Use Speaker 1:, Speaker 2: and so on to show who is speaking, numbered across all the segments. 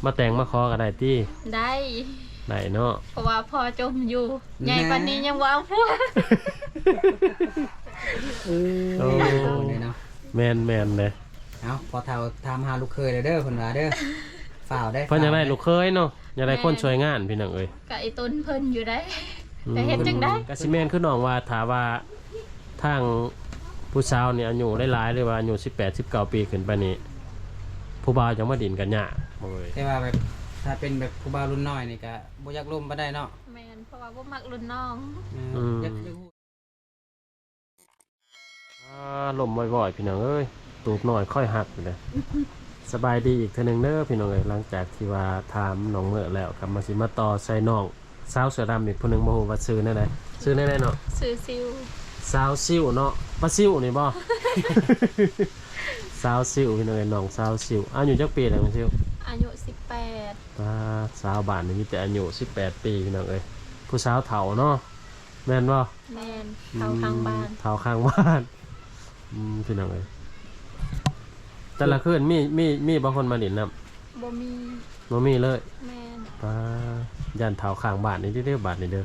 Speaker 1: มาแต่งมาขอก็ได้ติ
Speaker 2: ได้
Speaker 1: เนาะ
Speaker 2: เพราะว่าพอจมอยู่ใหญ่ปานนี้ยังบ่เอาผัว
Speaker 1: โอ้แม่นเลย
Speaker 3: เอาพอเฒ่าถามหาลูกเคยเด้อเพิ่นว่าเด้อฝ่าวได้
Speaker 1: เพิ่นอยากได้ลูกเคยเนาะอยากได้คนช่วยงานพี่น้องเอ้ย
Speaker 2: ก็ไอ้ต้นเพิ่นอยู่ได้แต่เฮ็ดจังได๋
Speaker 1: ก็สิแม่นคือน้องว่าถ้าว่าทางผู้สาวนี่อายุหลายๆหรือว่าอายุ18 19ปีขึ้นไปนี่ผู้บ่าวจังมาดินกันยากบ่เอ้ย
Speaker 3: แต่ว่าแบบถ้าเป็นแบบผู้บ่าวรุ่นน้อยนี่ก็บ่อยากร่วมบ่ได้เนาะ
Speaker 2: แม่นเพราะว่าบ่มักรุ่นน้อง
Speaker 3: อยาก
Speaker 1: ลมบ่อยๆพี่น้องเอ้ยตูบหน่อยค่อยหักเลยสบายดีอีกเทื่อนึงเด้อพี่น้องเอ้ยหลังจากที่ว่าถามน้องเมื่อแล้วกลับมาสิมาต่อใส่น้องสาวเสือดำอีกผู้นึงบ่ฮู้ว่าชื่อแนวใดชื่อแนวใดเนาะ
Speaker 2: ชื่อซิว
Speaker 1: สาวซิวเนาะปลาซิวนี่บ่ สาวซิวพี่น้องเอ้ยน้องสาวซิวอายุจักปีแล้วน้องซิว
Speaker 2: อายุ18
Speaker 1: สาวบ้านนี่มีแต่อายุ18ปีพี่น้องเอ้ยผู้สาวเฒ่าเนาะแม่นบ่
Speaker 2: แม่นเฒ่าข้างบ้าน
Speaker 1: เฒ่าข้างบ้านพี่น้องเอ้ยแต่ละคืนมีบางคนมาดินน้
Speaker 2: ำบ่
Speaker 1: มีเลย
Speaker 2: แม่น
Speaker 1: ยันเฒ่าข้างบ้านนี่เด้อบ้านนี่เด้อ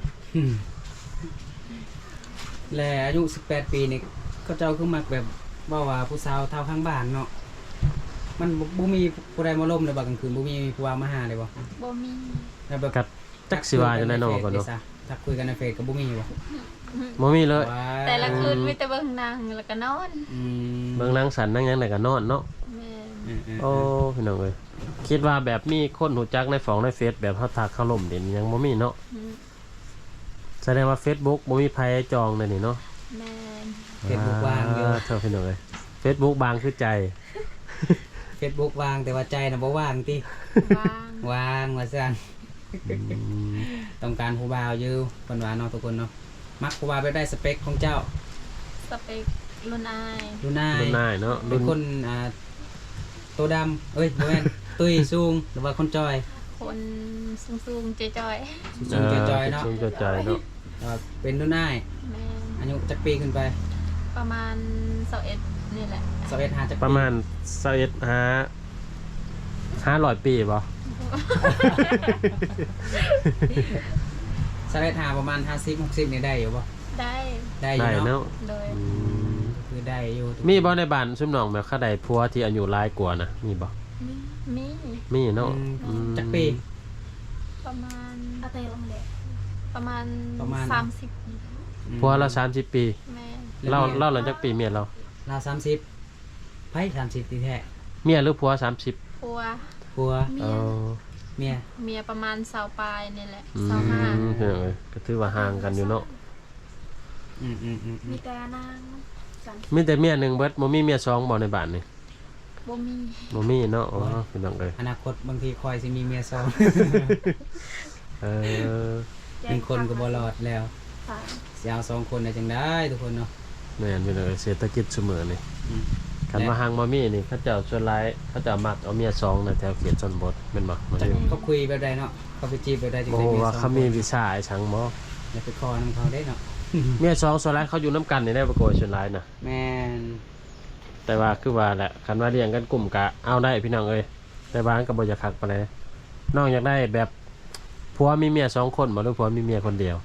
Speaker 3: และอายุ18ปีนี่เขาเจ้าคือมักแบบว่าผู้สาวเฒ่าข้างบ้านเนาะมันบ่มีผู้ใดมาล้มเลยบ่กลางคืนบ่มีผู้ว่ามาหาเลย
Speaker 2: บ่มี
Speaker 3: แล้วแบบ
Speaker 1: จักสิว่าจังได๋เนาะก็เนาะ
Speaker 3: ถ้าคุยกันในเฟซก็บ่มี
Speaker 1: บ่มีเลย
Speaker 2: แต่ละคืนมีแต่เบิ่งหนังแล้วก็นอน
Speaker 1: เบิ่งหนังสันนั่งหยังได้ก็นอนเนาะโอ้พี่น้องเอ้ยคิดว่าแบบมีคนรู้จักในในเฟซแบบเฮาทักเข้าล่มดินยังบ่มีเนาะแสดงว่า Facebook บ่มีไผจองเลยนี่เนาะ
Speaker 2: แม่น
Speaker 3: Facebook วางอยู่
Speaker 1: เท่าพี่น้องเอ้ย Facebook บางคือใจ
Speaker 3: Facebook วางแต่ว่าใจน่ะบ่ว่างติวางว่าซั่นต้องการผู้บ่าวอยู่เพิ่นว่าเนาะทุกคนเนาะมักผู้บ่าวแบบได้สเปคของเจ้า
Speaker 2: สเปครุ่นอาย
Speaker 1: เนาะ
Speaker 3: เป็นคนตัวดำบ่แม่นตุ้ยสูงหรือว่าคนจอย
Speaker 2: คนสูงๆจอย
Speaker 3: ๆสูงจอยๆเนาะ
Speaker 1: สูงจอยๆเนาะ
Speaker 3: เป็นรุ่นอายอายุจักปีขึ้นไป
Speaker 2: ประมาณ21นี่แหละ
Speaker 3: 21หาจักปี
Speaker 1: ประมาณ21หา500ปีบ่
Speaker 3: 21หาประมาณ50 60นี่ได้อยู่บ่ได้อยู่เนาะ
Speaker 2: เลย
Speaker 3: คือได้อยู่
Speaker 1: มีบ่ในบ้านซุมน้องแบบเขาได้ผัวที่อายุหลายกว่านะมีบ่มีเนาะ
Speaker 3: จักปี
Speaker 2: ประมาณประมาณ30
Speaker 1: ผัวเรา30ปีเราหลังจากปีเมียเรา
Speaker 3: 30ไผ30ตีแท้
Speaker 1: เมียหรือผัว30
Speaker 3: ผัวเมีย
Speaker 2: ประมาณ20ปลายนี่แหละ
Speaker 1: 25ก็ถือว่าห่างกันอยู่เนาะ
Speaker 2: มีแต่นาง
Speaker 1: มีแต่เมีย1เบิดบ่มีเมีย2บ่ในบ้านนี่
Speaker 2: บ่มี
Speaker 1: เนาะอ๋อพี่น้องเอ้ย
Speaker 3: อนาคตบางทีคอยสิมีเมีย2เป็นคนก็บ่รอดแล้วสิเอา2คนได้จังได๋ทุกคนเนาะ
Speaker 1: แม่นพี่น้องเอ้ยเศรษฐกิจซุมื้อนี่คันมาห่างบ่มีนี่เขาเจ้าส่วนหลายเขาเจ้ามักเอาเมีย2ในแถวเขตชนบทแม่นบ่
Speaker 3: เขาคุยแบบใดเนาะเขาไปจีบแบบใดจังได๋
Speaker 1: โอ้ว่าเขามีวิชาไอ้ชังบ่
Speaker 3: อย่าไปคอนำเขาได้เนาะ
Speaker 1: เมีย2ส่วนหลายเขาอยู่นำกันนี่ได้บ่โกยส่วนหลายน่ะ
Speaker 3: แม่น
Speaker 1: แต่ว่าคือว่าแหละคันว่าเลี้ยงกันกลุ่มกะเอาได้พี่น้องเอ้ยแต่บ้านก็บ่อยากคักปานใดน้องอยากได้แบบผัวมีเมีย2คนบ่หรือผัวมีเมียคนเดียว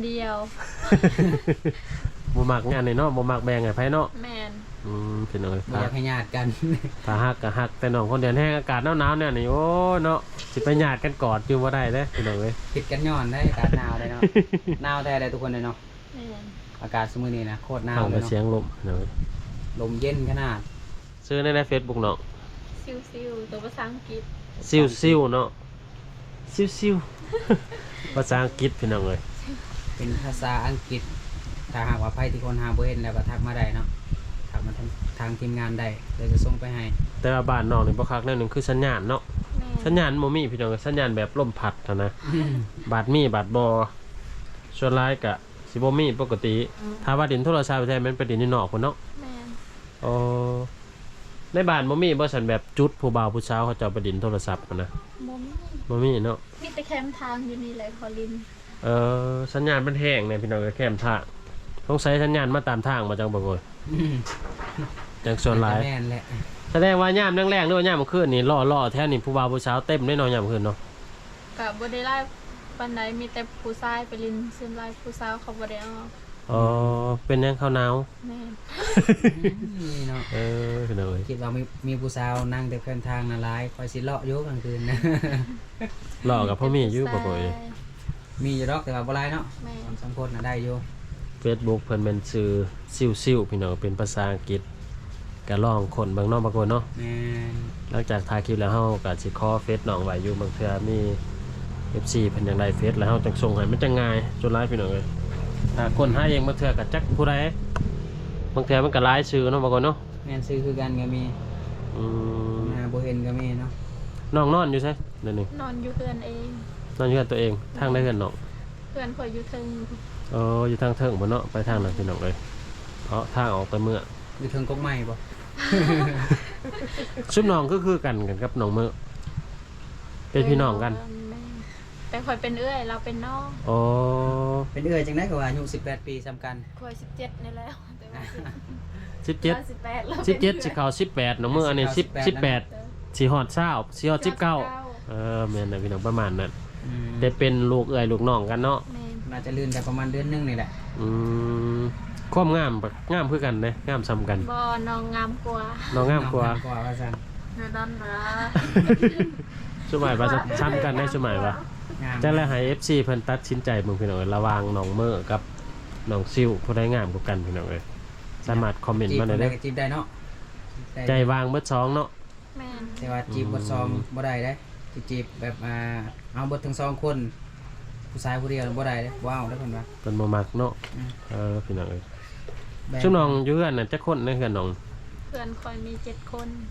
Speaker 1: บ่มักงานนี่เนาะบ่มักแบ่งให้ไผเนาะ
Speaker 2: แม่น
Speaker 1: พี่น้องเอ้ย
Speaker 3: บ่อยากให้ญาติกัน
Speaker 1: ถ้าฮักก็ฮักแต่น้องคนเดียวแห้งอากาศหนาวๆเนี่ยนี่โอ้เนาะสิไปญาติกันกอดอยู่บ่ได้เด้พี่น้องเอ้ย
Speaker 3: ผิดกันย้อนได้อากาศหนาวได้เนาะหนาวแท้ได้ทุกคนเลยเนาะ
Speaker 2: แม่น
Speaker 3: อากาศซุมื้อนี้นะโคตรหนาว
Speaker 1: เลยเนาะเสียงลมเนาะ
Speaker 3: ลมเย็นขนาด
Speaker 1: ซื้อใน Facebook เนาะ
Speaker 2: ซิวตัวภาษาอังกฤษ
Speaker 1: ซิวเนาะซิวภาษาอังกฤษพี่น้องเอ้ย
Speaker 3: เป็นภาษาอังกฤษถ้าหากว่าไผที่คนหาบ่เห็นแล้วก็ทักมาได้เนาะทักมาทางทีมงานได้เดี๋ยวจะส่งไปให้
Speaker 1: แต่ว่าบ้านน้องนี่บ่คักแนวนึงคือสัญญาณเนาะสัญญาณบ่มีพี่น้องสัญญาณแบบลมพัดเท่านะบาดมีบาดบ่ส่วนหลายก็สิบ่มีปกติถ้าว่าดินโทรศัพท์แท้มันเป็นดินนี่นอกพุ่นเนาะ
Speaker 2: แม่น
Speaker 1: อ๋อในบ้านบ่มีบ่ซั่นแบบจุดผู้บ่าวผู้สาวเขาเจ้าไปดินโทรศัพท์นะบ่มีเนาะ
Speaker 2: มีแต่แคมทางอยู่นี่แหละคอลิน
Speaker 1: สัญญาณมันแห้งเนี่ยพี่น้องก็แคมทางต้องใช้สัญญาณมาตามทางมาจังบ่บ่จังส่วนหลาย
Speaker 3: แม่นแหละ
Speaker 1: แสดงว่ายามแรงๆด้วยยามมื้อคืนนี่ล่อแท้นี่ผู้บ่าวผู้สาวเต็มแน่นอนยามมื้อคืนเนาะ
Speaker 2: กับบ่ได้ไล่ปานใดมีแต่ผู้ชายไปลินซึมไล่ผู้สาวเขาบ่ได้เอา
Speaker 1: อ๋อเป็นยังข้าวหนาว
Speaker 2: แม่น
Speaker 3: นี่เนาะ
Speaker 1: พี่น้องเอ้ย
Speaker 3: คิดว่ามีผู้สาวนั่งแต่เพื่อนทางน่ะหลายคอยสิเลาะอยู่กลางคืนนะ
Speaker 1: ล่อกับพ่อมีอยู่บ่บ่อย
Speaker 3: มีอยู่ดอกแต่ว่าบ่หลายเนาะ
Speaker 2: แม่น
Speaker 3: สองคนน่ะได้อยู่
Speaker 1: Facebook เพิ่นเป็นชื่อซิวๆพี่น้องเป็นภาษาอังกฤษก็ลองคนเบิ่งเนาะบางคนเนาะ
Speaker 3: แม่น
Speaker 1: หลังจากถ่ายคลิปแล้วเฮาก็สิขอเฟซน้องไว้อยู่บางเทื่อมี FC เพิ่นอยากได้เฟซแล้วเฮาจังส่งให้มันจังง่ายจนหลายพี่น้องเอ้ยถ้าคนหาเองบางเทื่อก็จักผู้ใดบางเทื่อมันก็หลายชื่อเนาะบางคนเนาะ
Speaker 3: แม่นซื้อคือกันก็มี
Speaker 1: อืม
Speaker 3: หาบ่เห็นก็มีเนาะ
Speaker 1: น้องนอนอยู่ไสเดี๋ยวนี้
Speaker 2: นอนอยู่เพื่อนเอง
Speaker 1: นอนอยู่กับตัวเองทางใดเฮือนน้อง
Speaker 2: เพื่อนข่อยอยู่เทึง
Speaker 1: อยู่ทางเทิงบ่เนาะไปทางนั้นพี่น้องเอ้ยทางออกไปเมื่อ
Speaker 3: อยู่เทิงกกไม้บ่
Speaker 1: ชุบน้องก็คือกันกับน้องเมื่อเป็นพี่น้องกัน
Speaker 2: แม่นแต่ข่อยเป็นเอื้อยเราเป็นน้อง
Speaker 1: อ๋อ
Speaker 3: เป็นเอื้อยจังได๋ก็ว่าอายุ18 ปีซ้ำกัน
Speaker 2: ข่อย17นี่แล้วแต่ว่า
Speaker 1: 17
Speaker 2: 18แล้ว
Speaker 1: 17สิเข้า18น้องเมื่ออันนี้10 18สิฮอด20สิฮอด19แม่นนะพี่น้องประมาณนั้น
Speaker 3: อืม
Speaker 1: ได้เป็นลูกเอ้ยลูกน้องกันเนาะ
Speaker 2: แม่น
Speaker 3: น่าจะลื่นกันประมาณเดือนหนึงนี่แหละ
Speaker 1: อืมความงามคือกันเด้งามซ้ำกัน
Speaker 2: บ่น้องงามกว่า
Speaker 1: น้องงามกว่า
Speaker 3: กว่าว่าซั่น
Speaker 2: แม่นั่นนะ
Speaker 1: สมัยว่าซ้ำกันได้สมัยว่า
Speaker 3: งาม
Speaker 1: จังแล้วให้ FC เพิ่นตัดสินใจเบิ่งพี่น้องเอ้ยระหว่างน้องเมื่อกับน้องซิวผู้ใดงามกว่ากันพี่น้องเอ้ยสามารถคอมเมนต์มาได้
Speaker 3: ได้
Speaker 1: เด้อ
Speaker 3: ก็จีบได้เนาะ
Speaker 1: ใจวางเบิดสองเนาะ
Speaker 2: แม่น
Speaker 3: แต่ว่าจีบบทซองบ่ได้เด้สิจีบแบบเอาเบิดทั้งสองคนผู้ชายผู้เดียวบ่ได้เด้บ่เอาเด้อเพิ่นว่า
Speaker 1: เป็นบ่มักเนาะ
Speaker 3: อืม
Speaker 1: พี่น้องเอ้ย
Speaker 3: แบ่ง
Speaker 1: ชุมน้องอยู่เฮือนน่ะจักคนในเฮือนน้อง
Speaker 2: เพื่อนข่อยมี7คน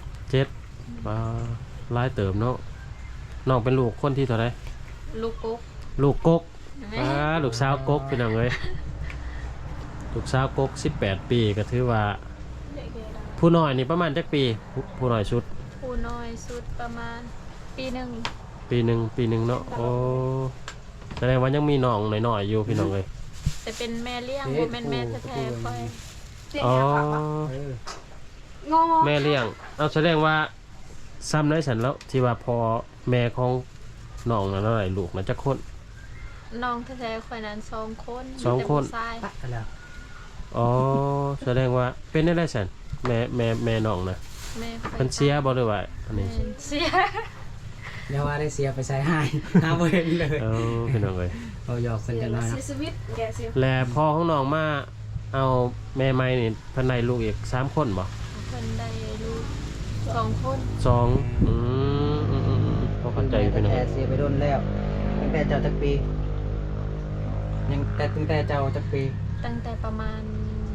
Speaker 1: 7บ่หลายเติมเนาะน้องเป็นลูกคนที่เท่าใด
Speaker 2: ลูกกุ๊ก
Speaker 1: ลูกกก
Speaker 2: แม่
Speaker 1: ลูกสาวกกพี่น้องเอ้ยลูกสาวกก18 ปีก็ถือว่า
Speaker 2: เด็กๆดา
Speaker 1: ผู้น้อยนี่ประมาณจักปีผู้น้อยสุด
Speaker 2: ผู้น้อยสุดประมาณปีหนึ่ง
Speaker 1: ปีหนึ่งเนาะโอ้แสดงว่ายังมีน้องน้อยๆอยู่พี่น้องเอ้ย
Speaker 2: แต่เป็นแม่เลี้ยงบ่แม่นแม่แท้ๆค่อย
Speaker 1: อ๋อ
Speaker 3: เออ
Speaker 1: แม่เลี้ยงเอาแสดงว่าซ้ำได้ฉันแล้วที่ว่าพอแม่ของน้องนั่นอะไรลูกน่ะจักคน
Speaker 2: น้องแท้ๆค่อยนั้น2คน
Speaker 1: สองคน
Speaker 2: มีแต่ผู้ชาย
Speaker 3: ตัดกันแล้ว
Speaker 1: อ๋อแสดงว่าเป็นได้ฉันแม่น้องนะ
Speaker 2: แม่ค่อย
Speaker 1: เพิ่นเสียบ่หรือว่าอันนี้
Speaker 2: แม่เสีย
Speaker 3: อย่าว่าได้เสียไปใส่ให้ หาบ่เห็นเลย
Speaker 1: พี่น้องเอ้ย
Speaker 3: เอาหยอกเพิ่นกันหน่อยเนาะ
Speaker 2: ชีวิตแกเสีย
Speaker 1: และพ่อของน้องมาเอาแม่ใหม่นี่เพิ่นได้ลูกอีก3คนบ่
Speaker 2: เพิ่นได้ลูก2คน
Speaker 1: สองพอเข้าใจอยู่พี่น้อง
Speaker 3: แต่เสียไปโดนแล้วตั้งแต่เจ้าจักปี ยังแต่ตั้งแต่เจ้าจักปี
Speaker 2: ตั้งแต่ประมาณ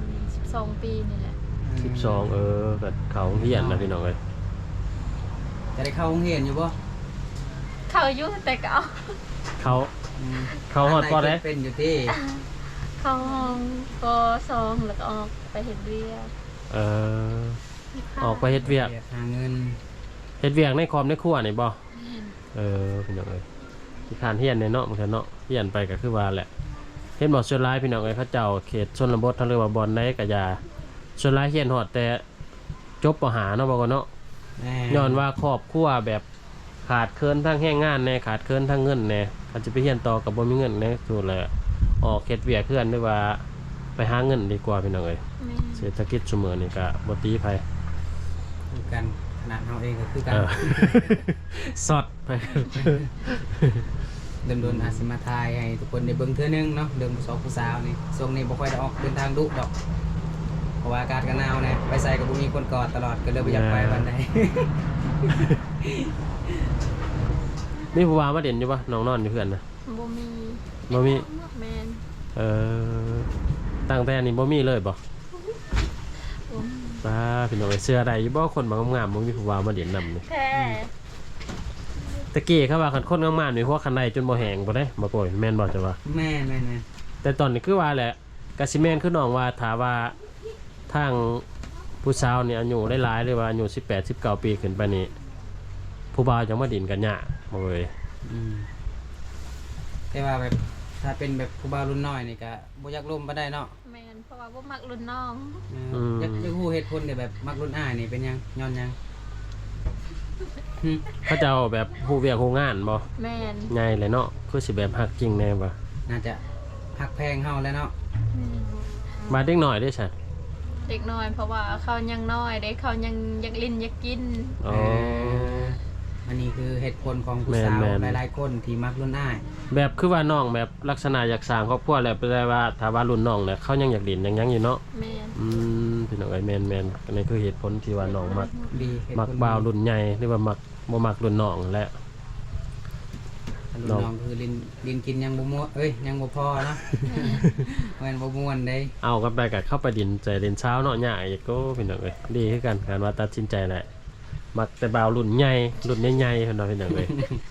Speaker 2: 12ปีนี่แหละ
Speaker 1: 12ก็เขาเฮียนนะพี่น้องเอ้ย
Speaker 3: จะได้เข้าโรงเรียนอยู่บ่
Speaker 2: เขาอยู่แต่ก็เอา
Speaker 1: เขา
Speaker 3: อืม
Speaker 1: เขาฮอดบ่ได้
Speaker 3: เป็นอยู่ที่
Speaker 2: เข้าห้องป2แล้วก็ออกไปเฮ็ดเวียก
Speaker 1: ออกไปเฮ็ดเวียก
Speaker 3: หาเงิน
Speaker 1: เฮ็ดเวียกในคอมในครัวนี่บ่พี่น้องเอ้ยที่คานเฮียนในเนาะมันก็เนาะเฮียนไปก็คือว่าแหละเห็นบ่ส่วนหลายพี่น้องเอ้ยเขาเจ้าเขตชนบททางเรือว่าบ่อนใดก็อย่าส่วนหลายเฮียนฮอดแต่จบปหาเนาะบ่ก็เนาะ
Speaker 3: แน่
Speaker 1: ย้อนว่าครอบครัวแบบขาดเคินทั้งแรงงานแน่ขาดเคินทั้งเงินแน่อาจจะไปเฮียนต่อกับบ่มีเงินแน่สุดเลยออกเฮ็ดเวียกคือกันหรือว่าไปหาเงินดีกว่าพี่น้องเอ้ย
Speaker 2: แม่
Speaker 1: เศรษฐกิจซุมื้อนี้ก็บ่ตีไผ
Speaker 3: คือกันขนาดเฮาเองก็คือกัน
Speaker 1: สอดไป
Speaker 3: โดนๆอาจสิมาทายให้ทุกคนได้เบิ่งเทื่อนึงเนาะเรื่องผู้สาวผู้สาวนี่ช่วงนี้บ่ค่อยได้ออกเดินทางดุดอกเพราะว่าอากาศก็หนาวแน่ไปใส่ก็บ่มีคนกอดตลอดก็เลยบ่อยากไปวันใด
Speaker 1: มีผู้ว่ามาเด่นอยู่ปะน้องนอนอยู่เพื่อนนะ
Speaker 2: บ่มี
Speaker 1: บ่มี
Speaker 2: แม่น
Speaker 1: ตั้งแต่นี้บ่มีเลยบ่
Speaker 2: บ่มี
Speaker 1: ป้าพี่น้องไอ้เสื้อใดอยู่บ่คนบางงามๆบ่มีผู้ว่ามาเด่นนำนี่
Speaker 2: แท้
Speaker 1: ตะกี้เขาว่าคันคนงามๆนี่พวกคันใดจนบ่แห้งบ่ได้บ่โกยแม่นบ่จ้ะว่า
Speaker 3: แม่น
Speaker 1: แต่ตอนนี้คือว่าแหละกะสิแม่นคือน้องว่าถ้าว่าทางผู้สาวนี่อายุหลายๆหรือว่าอายุ18 19 ปีขึ้นไปนี่ผู้บ่าวจังมาดินกันยากบ่เว้ย
Speaker 3: อืมแต่ว่าแบบถ้าเป็นแบบผู้บ่าวรุ่นน้อยนี่ก็บ่อยากร่วมบ่ได้เนาะ
Speaker 2: แม่นเพราะว่าบ่มักรุ่นน้อง
Speaker 3: อยากฮู้เหตุผลที่แบบมักรุ่นอ้ายนี่เป็นหยังย้อนหยัง
Speaker 1: เขาเจ้าแบบฮู้เวียกฮู้งานบ่
Speaker 2: แม่น
Speaker 1: ใหญ่เลยเนาะคือสิแบบฮักจริงแน่บ่
Speaker 3: น่าจะหักแพงเฮาแล้วเนาะ
Speaker 1: มาเด็กหน่อยได้ซะ
Speaker 2: เด็กน้อยเพราะว่าเขายังน้อยเด็กเขายังอยากลิ้นอยากกิน
Speaker 1: อ๋อ
Speaker 3: อันนี้คือเหตุผลของผู้สาว
Speaker 1: แม่นๆ
Speaker 3: หลายๆคนที่มักรุ่นอ้าย
Speaker 1: แบบคือว่าน้องแบบลักษณะอยากสร้างครอบครัวแล้วแปลว่าถ้าว่ารุ่นน้องเนี่ยเขายังอยากเรียนยังอยู่เนาะ
Speaker 2: แม่น
Speaker 1: พี่น้องเอ้ยแม่นอันนี้คือเหตุผลที่ว่าน้องมัก
Speaker 3: ดีเหตุผล
Speaker 1: มักบ่าวรุ่นใหญ่หรือว่ามักบ่มักรุ่นน้องแหละ
Speaker 3: รุ่นน้องคือลินกินยังบ่ม่วนยังบ่พอเนาะ แม่นบ่ม่วนเด้
Speaker 1: เอากันไปกับเข้าไปดินใจเรียนเช้าเนาะยากอีกก็พี่น้องเอ้ยดีคือกันการว่าตัดสินใจแหละมักแต่บ่าวรุ่นใหญ่รุ่นใหญ่ๆพี่น้องพี่น้องเอ้ย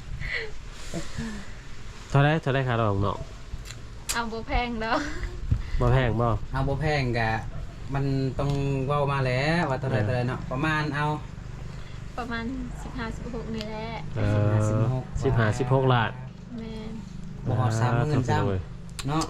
Speaker 1: เท่าไรค่าดอกเนาะ
Speaker 2: เอาบ่แพงเด้อ
Speaker 1: บ่แพงบ่
Speaker 3: เอาบ่แพงกะมันต้องเว้ามาแล้วว่าเท่าไหร่เนาะประมาณเอา
Speaker 2: ประมาณ15-16นี่แหละ
Speaker 1: 15-16 ล้าน
Speaker 2: แม่น
Speaker 3: บ่ฮอด30,000ซ้ำเนาะ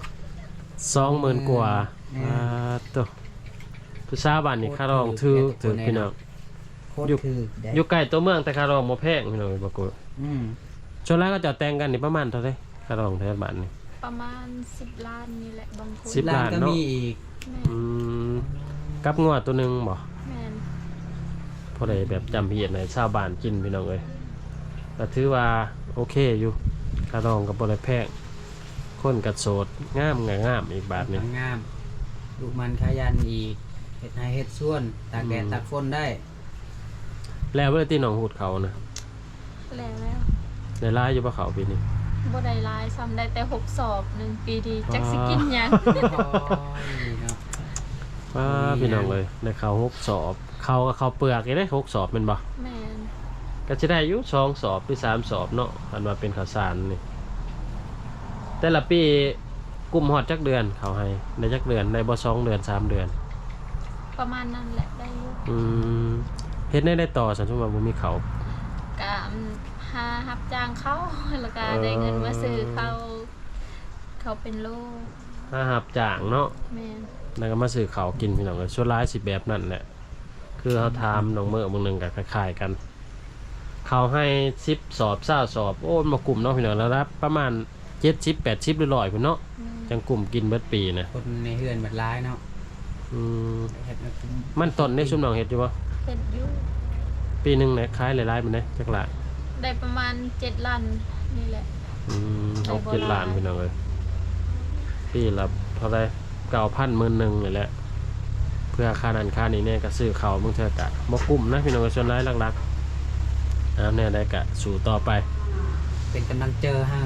Speaker 1: 20,000กว่า
Speaker 3: แม่
Speaker 1: ตัวผู้สาวบ้านนี่ค่าดอกถือพี่น้อง
Speaker 3: โคตรคือได้
Speaker 1: อยู่ใกล้ตัวเมืองแต่ค่าดอกบ่แพงพี่น้องบ่กู
Speaker 3: อืม
Speaker 1: ส่วนแรกก็จะแต่งกันนี่ประมาณเท่าไหร่ค่าดอกแถวบ้านนี่
Speaker 2: ประมาณ10 ล้านนี่แหละบางคน
Speaker 1: 10 ล้าน
Speaker 3: ก็
Speaker 1: เนาะ
Speaker 3: มีอีก
Speaker 2: แม่น
Speaker 1: อืมกับงัวตัวหนึงบ่
Speaker 2: แม่น
Speaker 1: พอได้แบบจำเพียรในชาวบ้านกินพี่น้องเอ้ยก็ถือว่าโอเคอยู่ค่าดองกับ่ได้แพงคนกัดโสดงามอีกบาทหนึง
Speaker 3: งามลูกมันขยันอีกเฮ็ดนาเฮ็ดสวนตากแดดตากฝนได้
Speaker 1: แล้วเวลาที่หนองหูดเขานะ
Speaker 2: แล้ว
Speaker 1: ในร้ายอยู่บ่เขาปีนี้
Speaker 2: บ่ได้หลายซ้ำได้แต่6สอบ1ปีดีจักสิกินหยัง
Speaker 3: โอ้ยเนาะ
Speaker 1: ว้า
Speaker 3: ดีนะ
Speaker 1: พี่น้องเลยในเขา6 สอบเขาก็เขาเปลือกอีกได้6 สอบแม่นบ่
Speaker 2: แม่น
Speaker 1: ก็จะได้อยู่2 สอบหรือ3 สอบเนาะอันว่าเป็นข้าวสารนี่แต่ละปีกลุ่มฮอดจักเดือนเขาให้ได้จักเดือนได้บ่2 เดือน3 เดือน
Speaker 2: ประมาณนั้นแหละได้อยู่
Speaker 1: เฮ็ดได้ต่อสันสมมุติว่าบ่มีเขา
Speaker 2: ก็หารับจ้างเขาแล้วก็ได้เงินมาซื้อเขาเป็นโล
Speaker 1: ถ้าหับจ้างเนาะ
Speaker 2: แม่น
Speaker 1: แล้วก็มาซื้อเขาวกินพี่น้องเลยส่วนร้ายสิแบบนั่นแหละคือเขาทำน้องเมื่อบางหนึงกับคล้ายๆกัน เขาให้10 สอบ20 สอบโอ้มากลุ่มเนาะพี่น้องแล้วรับประมาณ70 80หรือ100พุ่นเนาะ
Speaker 2: แม่น
Speaker 1: จังกลุ่มกินเบิดปีนะ
Speaker 3: คนในเฮือนบัดร้ายเนาะ
Speaker 1: อืม
Speaker 3: เฮ็ดมากิน
Speaker 1: มันต้นในชุมน้องเฮ็ดอยู่บ่
Speaker 2: เฮ็ดอยู่
Speaker 1: ปีหนึงเนี่ยขายหลายๆมันได้จักละ
Speaker 2: ได้ประมาณ7ล้านนี่แหละ
Speaker 1: เอา7 ล้านพี่น้องเลยปีละเท่าไหร่9,000 10,000นี่แหละเพื่อค่านั้นค่านี้เนี่ยก็ซื้อเขาวมึงเถอะกะบ่กลุ่มนะพี่น้องเอ้ยส่วนร้ายหลักๆเนี่ยได้กะสู่ต่อไป
Speaker 3: เป็นกำลังเจอฮะ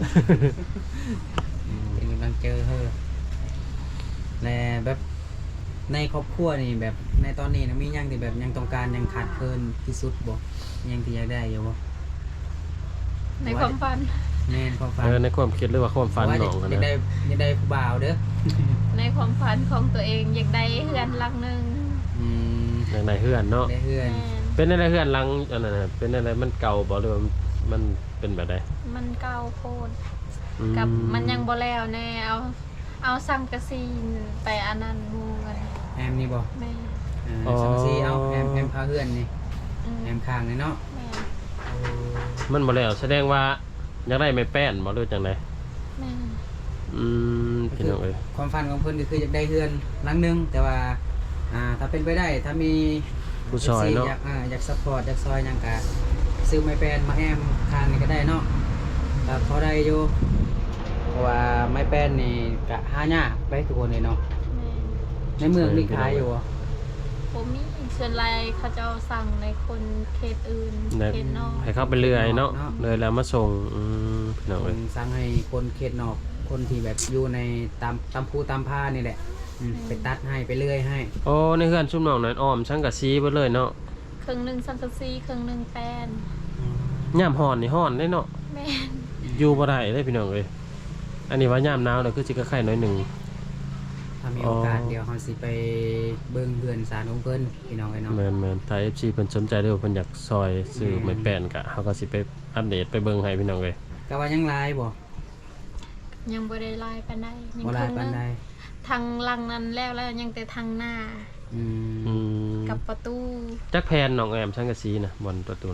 Speaker 3: เป็นกำลังเจอเฮ้อและแบบในครอบครัวนี่แบบในตอนนี้นะมีหยังที่แบบยังต้องการยังขาดเคินที่สุดบ่ยังที่อยากได้อยู่บ่
Speaker 2: ในความฝัน
Speaker 3: แม่นความฝัน
Speaker 1: ในความคิดหรือว่าความฝัน
Speaker 3: ว่า
Speaker 1: น้องกัน
Speaker 3: อยาก
Speaker 1: นะ
Speaker 3: ได้อยากได้ผู้บ่าวเด้อ
Speaker 2: ในความฝันของตัวเองอยากได้เฮือนหลังหนึง
Speaker 3: อืม
Speaker 1: ในเฮือนเนาะ
Speaker 3: ได้เฮือน
Speaker 2: แม่น
Speaker 1: เป็นในเฮือนหลังอันนั้นน่ะเป็นอะไรมันเก่าบ่หรือว่ามันเป็นแบบใด
Speaker 2: มันเก่าโพด
Speaker 1: อื
Speaker 2: กับมันยังบ่แล้วแน่เอาสังกะสีไปอันนั้นหมู่กัน
Speaker 3: แอมนี่บ่
Speaker 2: แม่
Speaker 3: สังซีเอาแอมพาเฮือนนี่
Speaker 2: อืม
Speaker 3: แอมข้างนี่เนาะ
Speaker 2: แม่
Speaker 1: มันบ่แล้วแสดงว่าอยากได้ไม้แป้นบ่หรือจังได
Speaker 2: แม่
Speaker 1: พี่น้องเอ้ย
Speaker 3: ความฝันของเพิ่นก็คืออยากได้เฮือนหลังหนึงแต่ว่าถ้าเป็นไปได้ถ้ามี
Speaker 1: ผู้ซอยเนาะ
Speaker 3: อยากซัพพอร์ตอยากซอยหยังกะซื้อไม้แปลนมาแอมข้างนี่ก็ได้เนาะแต่พอได้อยู่เพราะว่าไม้แปลนนี่กะหายากไปทุกคนเลยเนาะ
Speaker 2: แม่
Speaker 3: ในเมืองนี่ขายอยู่บ่
Speaker 2: ผมมีส่วนไรเขาจะเอาสั่งในคนเขตอื่น
Speaker 1: ได้
Speaker 2: เขตนอก
Speaker 1: ให้เข้าไปเรื่อยเนาะเลยแล้วมาส่งพี่น้อง
Speaker 3: เพิ่
Speaker 1: เอ้ย
Speaker 3: นสั่งให้คนเขตนอกคนที่แบบอยู่ในตามภูตามผ้านี่แหละไปตัดให้ไปเลื่อยให้
Speaker 1: โอ้ในเฮือนชุมน้องนั้นอ้อมสังกะสีเบิดเลยเนาะ
Speaker 2: ครึ่งหนึ่งสังกะสีครึ่งหนึ่งแป้น
Speaker 1: ยามฮ้อนนี่ฮ้อนได้เนาะ
Speaker 2: แม่น
Speaker 1: อยู่บ่ได้เด้พี่น้องเอ้ยอันนี้ว่ายามหนาวแล้วคือสิก็ไข่น้อยหนึง
Speaker 3: ถ้ามีโอกาสเดี๋ยวเราสิไปเบิ่งเฮือนสารของเพิ่นพี่น้องไอ้เนาะ
Speaker 1: แม่นๆถ้า FC เพิ่นสนใจเด้อเพิ่นอยากซอยซื้อไม้แป้นก็เฮาก็สิไปอัปเดตไปเบิ่งให้พี่น้องเอ้ย
Speaker 3: ก็ว่ายังหลายบ่
Speaker 2: ยังบ่ได้ลายปานใดยัง
Speaker 3: บ่หลายปานใด
Speaker 2: ทางหลังนั้นแล้วยังแต่ทางหน้า
Speaker 3: อืม
Speaker 1: อืม
Speaker 2: กับประตู
Speaker 1: จักแพนน้องแอมสังกะสีนะบนประตูน่ะ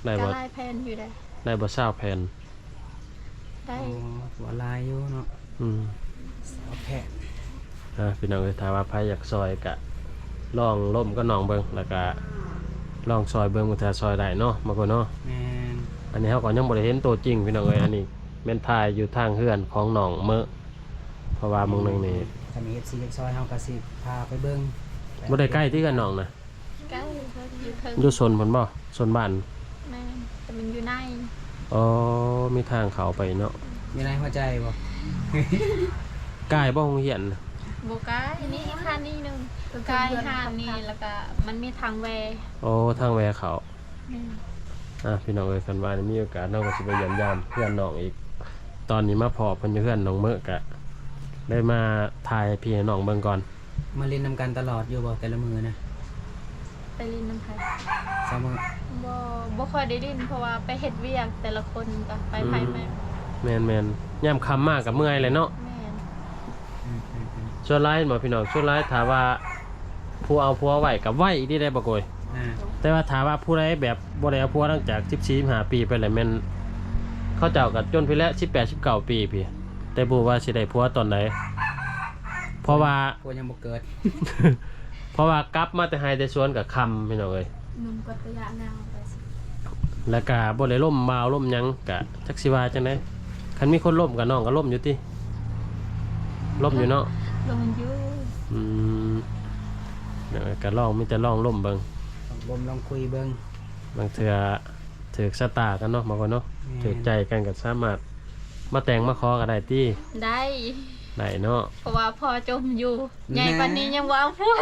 Speaker 1: ได้
Speaker 2: ก็
Speaker 1: บ่
Speaker 2: ลายแพนอยู่ได้
Speaker 1: ได้บ่เศร้าแผ่น
Speaker 2: ได้
Speaker 3: บ่ลายอยู่เนาะ
Speaker 1: อืม
Speaker 3: เอาแพทย์
Speaker 1: พี่น้องเอ้ยถ้าว่าไผอยากซอยก็ลองล่มก็น้องเบิ่งแล้วก็ลองซอยเบิ่งว่าถ้าซอยได้เนาะบางคนเนาะ
Speaker 3: แม่น
Speaker 1: อันนี้เฮาก็ยังบ่ได้เห็นตัวจริงพี่น้องเอ้ยอันนี้แม่นถ่ายอยู่ทางเฮือนของน้องเมอะเพราะว่ามื้อนึงนี่
Speaker 3: ถ้ามี FC อยากซอยเฮาก็สิพาไปเบิ่ง
Speaker 1: บ่ได้ใกล้ที่กันน้องนะ
Speaker 2: ใกล้เขาอยู่เทิง
Speaker 1: อยู่ซนเพิ่นบ่ซนบ้าน
Speaker 2: แม่นแต่มันอยู่ใน
Speaker 1: อ๋อมีทางเขาไปเนาะ
Speaker 3: มีในหัวใจบ่
Speaker 1: ใกล้บ่โรงเรียน
Speaker 2: โบกายนี่ค่านี่หนึงกายห้ามนี่แล้วก็มันมีทางแว
Speaker 1: โอ้ทางแวเขา
Speaker 2: แม่น
Speaker 1: พี่น้องเอ้ยคันว่ามีโอกาสน้องก็สิไปเยี่ยมยามเพื่อนน้องอีก ตอนนี้มาพอเพิ่นอยู่เพื่อนน้องเมอะกะได้มาถ่ายให้พี่ให้น้องเบิ่งก่อน
Speaker 3: มาเล่นนำกันตลอดอยู่บ่แต่ละมื้อนะ
Speaker 2: ไปลินน้ำไผ่
Speaker 3: เสมอ
Speaker 2: บ่ค่อยได้ลินเพราะว่าไปเฮ็ดเวียกแต่ละคนก็ไปไผแม่น
Speaker 1: แม่นยามค่ำมากกับเมื่อยเลยเนาะ
Speaker 2: แม่น
Speaker 1: ส่วนหลายบ่พี่น้องส่วนหลายถ้าว่าผู้เอาผัวไว้กับไว้อีกได้บ่โกย
Speaker 3: อ่า
Speaker 1: แต่ว่าถามว่าผู้ใดแบบบ่ได้เอาผัวตั้งจาก14-15ปีไปแล้วแม่นเขาเจ้าก็จนไปแล้ว18-19ปีพี่แต่บ่ว่าสิได้ผัวตอนไหนเพราะว่า
Speaker 3: พวกยังบ่เกิด
Speaker 1: เพราะว่ากลับมาแต่ไห้แต่สวนกับคำพี่น้องเอ้ย
Speaker 2: นุ่มกว่าระยะนาวไปสิ
Speaker 1: แล้วก็บ่ได้ล่มบ่าวล่มหยังก็จักสิว่าจังได๋คันมีคนล่มกับน้องก็ล่มอยู่ติล่มอยู่เนาะ
Speaker 2: ลงอยู่
Speaker 1: อืมเดี๋ยวก็ลองมีแต่ลองล่มเบิ่ง
Speaker 3: ต้องบ่มลองคุยเบิ่ง
Speaker 1: บางเทื่อถือชะตากันเนาะบางคนเนาะ
Speaker 3: แม่น
Speaker 1: ถือใจกันก็สามารถมาแต่งมาขอก็ได้ติ
Speaker 2: ได้
Speaker 1: ได้เนาะ
Speaker 2: เพราะว่าพ่อจมอยู่ใหญ่ปานนี้ยังบ่เอาผัว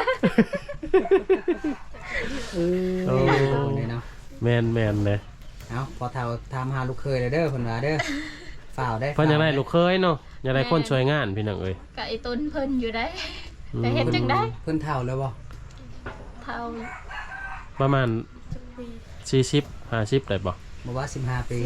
Speaker 3: เออ
Speaker 1: โอ้
Speaker 3: เลยเนาะ
Speaker 1: แม่นเลย
Speaker 3: เอาพอเฒ่าถามหาลูกเคยเลยเด้อเพิ่นว่าเด้อฝ่าวได้
Speaker 1: เพิ่นอยากได้ลูกเคยเนาะอยากได้คนช่วยงานพี่น้องเอ้ย
Speaker 2: ก็ไอ้ต้นเพิ่นอยู่ได้แต่เฮ็ดจังได้
Speaker 3: เพิ่นเฒ่าแล้วบ่
Speaker 2: เท่า
Speaker 1: ประมาณ40-50ได้บ่
Speaker 3: บ่ว่า15 ปี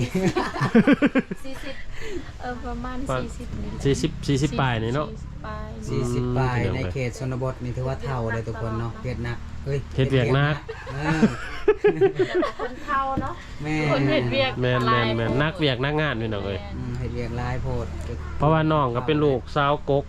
Speaker 2: 40ประมาณ40นี่
Speaker 1: 40ปลายนี่เนาะ
Speaker 2: 40ปลาย
Speaker 3: 40ปลาย
Speaker 1: พี่น้อง
Speaker 3: ใน
Speaker 1: เอ้ย
Speaker 3: เขตชนบทนี่ถือว่าเฒ่าเลยทุกคนเนาะเฮ็ดหนักเฮ้ย
Speaker 1: เฮ็ดเวียกหนัก
Speaker 3: เออ
Speaker 2: คนเท่าเนาะ
Speaker 3: แม่
Speaker 2: คนเฮ็ดเวียก
Speaker 1: แม่น
Speaker 2: หลาย
Speaker 1: นักเวียกนักงานพี่น้องเอ้ย
Speaker 3: เฮ็ดเวียกหลายโพด
Speaker 1: เพราะว่าน้องก็เป็นลูกสาวกก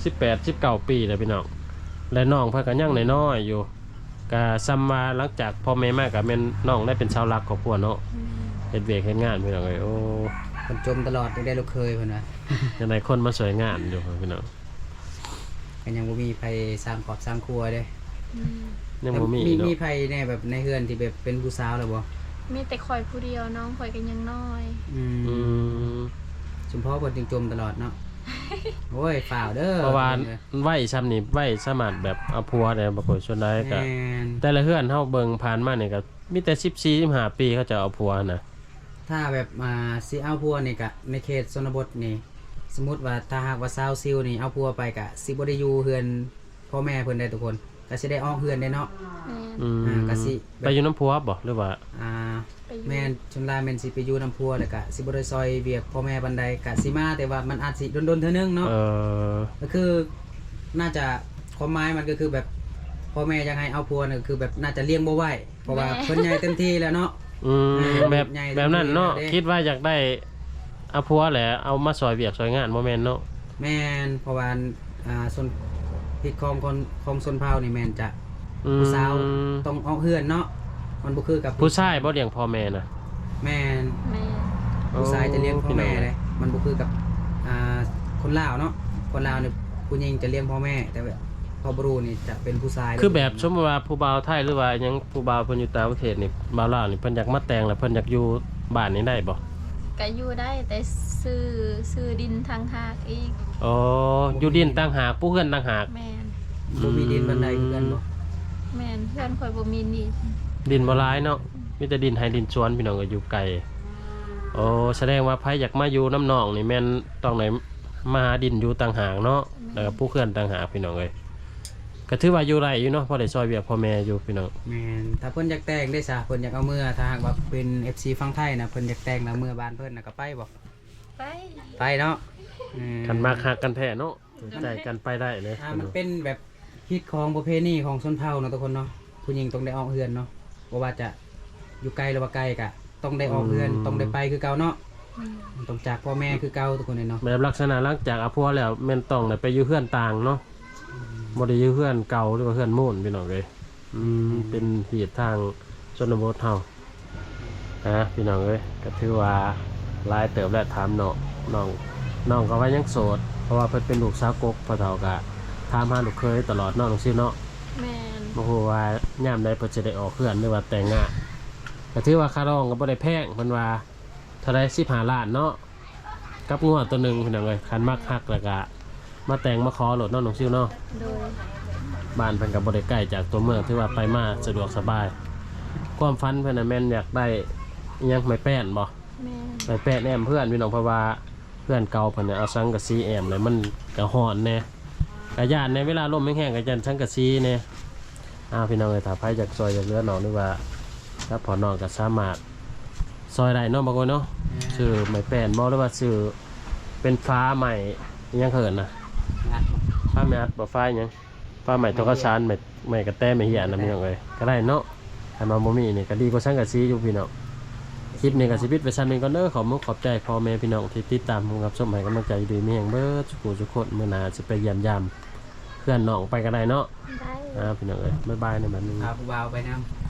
Speaker 1: 18-19ปีแล้วพี่น้องและน้องเพิ่นก็ยังน้อยๆอยู่ก็ซ้ำว่าหลังจากพ่อแม่มาก็แม่นน้องได้เป็นชาวรักครอบครัวเนาะเฮ็ดเวียกเฮ็ดงานพี่น้องเอ้ยโอ้
Speaker 3: เพิ่นจมตลอดได้ลูกเคยเพิ่นว่า
Speaker 1: ยังได้คนมาช่วยงานอยู่พี่น้อง
Speaker 3: ก็ยังบ่มีไผสร้างครอบสร้างครัวเด้
Speaker 2: อืม
Speaker 1: ยังบ่มีเนาะ
Speaker 3: มีไผแน่แบบในเฮือนที่แบบเป็นผู้สาวแล้วบ่
Speaker 2: มีแต่ข่อยผู้เดียวน้องข่อยก็ยังน้อย
Speaker 3: อื
Speaker 1: อื
Speaker 3: ม
Speaker 1: ม
Speaker 3: ชุมพ่อเพิ่นจึงจมตลอดเนาะ โอ้ยฝ่าวเด้อ
Speaker 1: เพราะว่าไว้ซ้ำนี่ไว้สามารถแบบเอาผัวได้บ่ค่อยส่วนใดก็
Speaker 3: แม่น
Speaker 1: แต่ละเฮือนเฮาเบิ่งผ่านมานี่ก็มีแต่14-15ปีเขาจะเอาผัวนะ
Speaker 3: ถ้าแบบสิเอาพัวนี่ก็ในเขตชนบทนี่ สมมุติว่าถ้าหากว่าสาวซิลนี่เอาพัวไปก็สิบ่ได้อยู่เฮือนพ่อแม่เพิ่นได้ทุกคนก็สิได้ออกเฮือนได้เนาะ
Speaker 2: แม่น
Speaker 1: อืม
Speaker 3: ก็สิ
Speaker 1: ไปอยู่น้ำผัวบ่หรือว่า
Speaker 3: อ่า
Speaker 2: ไปอยู่
Speaker 3: แม่นชุนลายแม่นสิไปอยู่นำพัวแล้วก็สิบ่ได้ซอยเวียกพ่อแม่ปานใดก็สิมาแต่ว่ามันอาจสิดนๆเทื่อนึงเนาะ
Speaker 1: เออ
Speaker 3: ก็คือน่าจะความหมายมันก็คือแบบพ่อแม่อยากให้เอาพัวนี่ก็คือแบบน่าจะเลี้ยงบ่ไหวเพราะว่าเพิ่นใหญ่เต็มที่แล้วเนาะ
Speaker 1: อืมแบบ
Speaker 3: ใหญ่
Speaker 1: แบบนั้นเนาะ
Speaker 3: เด้
Speaker 1: คิดว่าอยากได้เอาผัวแหละเอามาซอยเวียกซอยงานบ่แม่นเนาะ
Speaker 3: แม่นเพราะว่าส่วนผิดของชนเผ่านี่แม่นจะ
Speaker 1: อืม
Speaker 3: ผู้สาวต้องออกเฮือนเนาะมันบ่คือกับ
Speaker 1: ผู้ชายบ่เลี้ยงพ่อแม่น่ะ
Speaker 3: แม่น
Speaker 2: แม่น
Speaker 3: ผู้ชายจะเลี้ยงพ่อแม่
Speaker 1: พี่น้
Speaker 3: เลยมันบ่คือกับคนลาวเนาะคนลาวนี่ผู้หญิงจะเลี้ยงพ่อแม่ แต่แบบพ่อบรูนี่จะเป็นผู้ชาย
Speaker 1: คือแบบสมมุติว่าผู้บ่าวไทยหรือว่าหยังผู้บ่าวเพิ่นอยู่ต่างประเทศนี่บ่าวลาวนี่เพิ่นอยากมาแต่งแล้วเพิ่นอยากอยู่บ้านนี้ได้บ่
Speaker 2: ก็อยู่ได้แต่ซื้อดินทางหากอีก
Speaker 1: อ๋ออยู่ดินต่างหากผู้เฮือนต่างหาก
Speaker 2: แม่น
Speaker 3: บ่มีดินบันไดคือกันบ่
Speaker 2: แม่นเพื่อนข่อยบ่มีนี่
Speaker 1: ดินบ่หลายเนาะมีแต่ดินให้ดินสวนพี่น้องก็อยู่ไกลโอ้แสดงว่าไผอยากมาอยู่น้ำหนองนี่แม่นต้องไหนมาหาดินอยู่ต่างหากเนาะแล้วก็ผู้เฮือนต่างหากพี่น้องเอ้ยก็ถือว่าอยู่ไรอยู่เนาะพอได้ซอยเวียกพ่อแม่อยู่พี่น้อง
Speaker 3: แม่นถ้าเพิ่นอยากแต่งได้ซะเพิ่นอยากเอาเมื่อถ้าหากว่าเป็น FC ฝั่งไทยนะเพิ่นอยากแต่งแล้วเมื่อบ้านเพิ่นน่ะก็ไปบ่
Speaker 2: ไป
Speaker 3: ไปเนาะอื
Speaker 1: กันมากหักกันแท้เนาะใจกันไปได้เลย
Speaker 3: มันเป็นแบบฮิตของประเพณีของชนเผ่าเนาะทุกคนเนาะผู้หญิงต้องได้ออกเฮือนเนาะบ่ว่าจะอยู่ไกลหรือว่าไกลก็ตต้องได้ออกเรือน
Speaker 1: อืม
Speaker 3: ต้องได้ไปคือเก่าเนาะ
Speaker 2: อืม
Speaker 3: ต้องจากพ่อแม่คือเก่าทุกคนเลยเนาะ
Speaker 1: แบบลักษณะหลังจากอาพัวแล้วแม่นต้องได้ไปอยู่เฮือนต่างเนาะบ่ได้อยู่เฮือนเก่าหรือว่าเฮือนมูนพี่น้องเอ้ยเป็นเหตุทางชนบทเฮาพี่น้องเอ้ยก็ถือว่าหลายเติบแล้วถามน้องก็ว่ายังโสดเพราะว่าเพิ่นเป็นลูกสาวกกพ่อเฒ่าก็ถามหาลูกเคยตลอดเนาะน้องซิเนาะ
Speaker 2: แม่น
Speaker 1: บ่ฮู้ว่ายามใดเพิ่นจะได้ออกเฮือนหรือว่าแต่งงานก็ถือว่าค่าดองก็บ่ได้แพงเพิ่นว่าเท่าใด15ล้านเนาะกับงัวตัวหนึงพี่น้องเอ้ยคันมักฮักแล้วก็มาแต่งมาขอโหลดเนาะน้องซิวเนาะ
Speaker 2: โดย
Speaker 1: บ้านเพิ่นก็บ่ได้ใกล้จากตัวเมืองถือว่าไปมาสะดวกสบายความฝันเพิ่นน่ะแม่นอยากได้อิหยังไม้แป้นบ่
Speaker 2: แม่น
Speaker 1: ไม้แป้นแอมเพื่อนพี่น้องเพราะว่าเพื่อนเก่าเพิ่นน่ะเอาสังกะสีแอมเลยมันก็ฮ้อนแน่ก็ย่านในเวลาลมแห้งๆก็จันสังกะสีแน่พี่น้องเอ้ยถ้าไผอยากซอยอยากเหลือน้องหรือว่าถ้าพอน้องก็สามารถซอยได้เนาะบางคนเนาะชื่อไม้แป้นบ่หรือว่าชื่อเป็นฟ้าใหม่อิหยังเขินน่ะ
Speaker 3: งัดบ่
Speaker 1: ฟ้าแม่อัดบ่ฟ้าหยังฟ้าใหม่ตกกระสานใหม่กระแตไม่เหี้ยนะพี่น้องเอ้ยก็ได้เนาะถ้ามาบ่มีนี่ก็ดีกว่าสังกะสีอยู่พี่น้องคลิปนี้ก็สิปิดไว้ซั่นนี้ก่อนเด้อขอบใจพ่อแม่พี่น้องที่ติดตามผมกับชมให้กำลังใจดีมีแห่งเบิดสุขสุขคนมื้อหน้าสิไปเยี่ยมยามเพื่อนน้องไปก็ได้เนาะ
Speaker 2: ได้
Speaker 1: พี่น้องเอ้ยบ๊ายบายในบัดนี้
Speaker 3: พาผู้บ่าวไปนำ